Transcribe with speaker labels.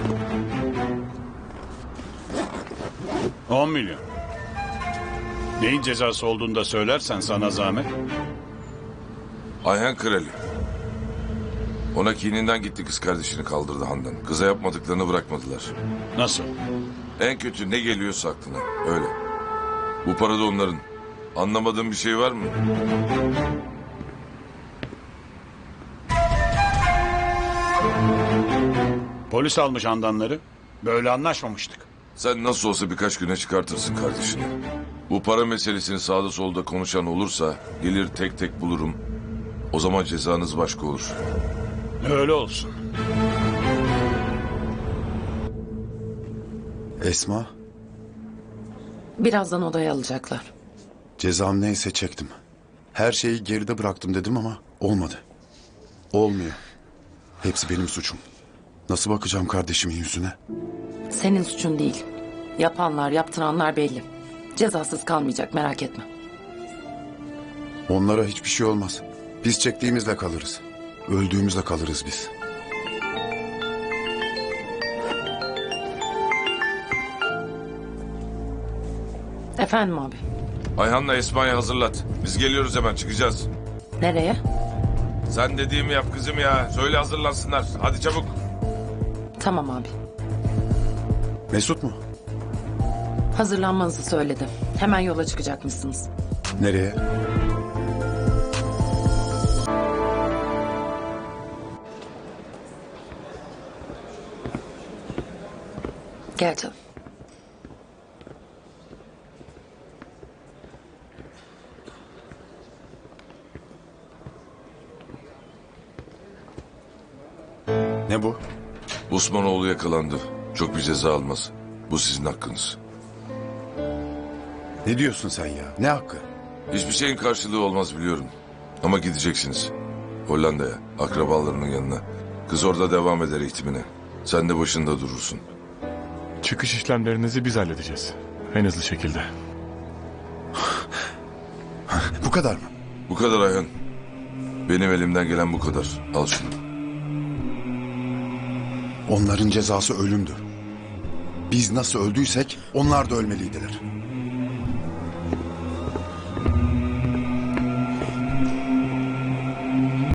Speaker 1: On milyon. Neyin cezası olduğunu da söylersen sana zahmet.
Speaker 2: Ayhan Krali. Ona kininden gitti, kız kardeşini kaldırdı Handan. Kıza yapmadıklarını bırakmadılar.
Speaker 1: Nasıl?
Speaker 2: En kötü ne geliyorsa aklına. Öyle. Bu para da onların. Anlamadığın bir şey var mı?
Speaker 1: Polis almış Handanları. Böyle anlaşmamıştık.
Speaker 2: Sen nasıl olsa birkaç güne çıkartırsın kardeşini. Bu para meselesini sağda solda konuşan olursa gelir tek tek bulurum. O zaman cezanız başka olur.
Speaker 1: Öyle olsun.
Speaker 3: Esma,
Speaker 4: Birazdan odaya alacaklar.
Speaker 3: cezam neyse çektim. Her şeyi geride bıraktım dedim ama olmadı. Olmuyor. Hepsi benim suçum. Nasıl bakacağım kardeşimin yüzüne?
Speaker 4: Senin suçun değil. Yapanlar, yaptıranlar belli. Cezasız kalmayacak, merak etme.
Speaker 3: Onlara hiçbir şey olmaz. Biz çektiğimizle kalırız. Öldüğümüzle kalırız biz.
Speaker 4: Efendim abi.
Speaker 2: Ayhan'la Esma'yı hazırlat. Biz geliyoruz, hemen çıkacağız.
Speaker 4: Nereye?
Speaker 2: Sen dediğimi yap kızım ya. Söyle hazırlansınlar. Hadi çabuk.
Speaker 4: Tamam abi.
Speaker 3: Mesut mu?
Speaker 4: Hazırlanmanızı söyledi. Hemen yola çıkacakmışsınız.
Speaker 3: Nereye?
Speaker 4: Gel canım.
Speaker 3: Ne bu?
Speaker 2: Osmanoğlu yakalandı. Çok bir ceza almaz. Bu sizin hakkınız.
Speaker 3: Ne diyorsun sen ya? Ne hakkı?
Speaker 2: Hiçbir şeyin karşılığı olmaz biliyorum. Ama gideceksiniz. Hollanda'ya, akrabalarının yanına. Kız orada devam eder eğitimine. Sen de başında durursun.
Speaker 5: Çıkış işlemlerinizi biz halledeceğiz. En hızlı şekilde.
Speaker 3: Bu kadar mı?
Speaker 2: Bu kadar Ayhan. Benim elimden gelen bu kadar. Al şunu.
Speaker 3: Onların cezası ölümdü. Biz nasıl öldüysek onlar da ölmeliydiler.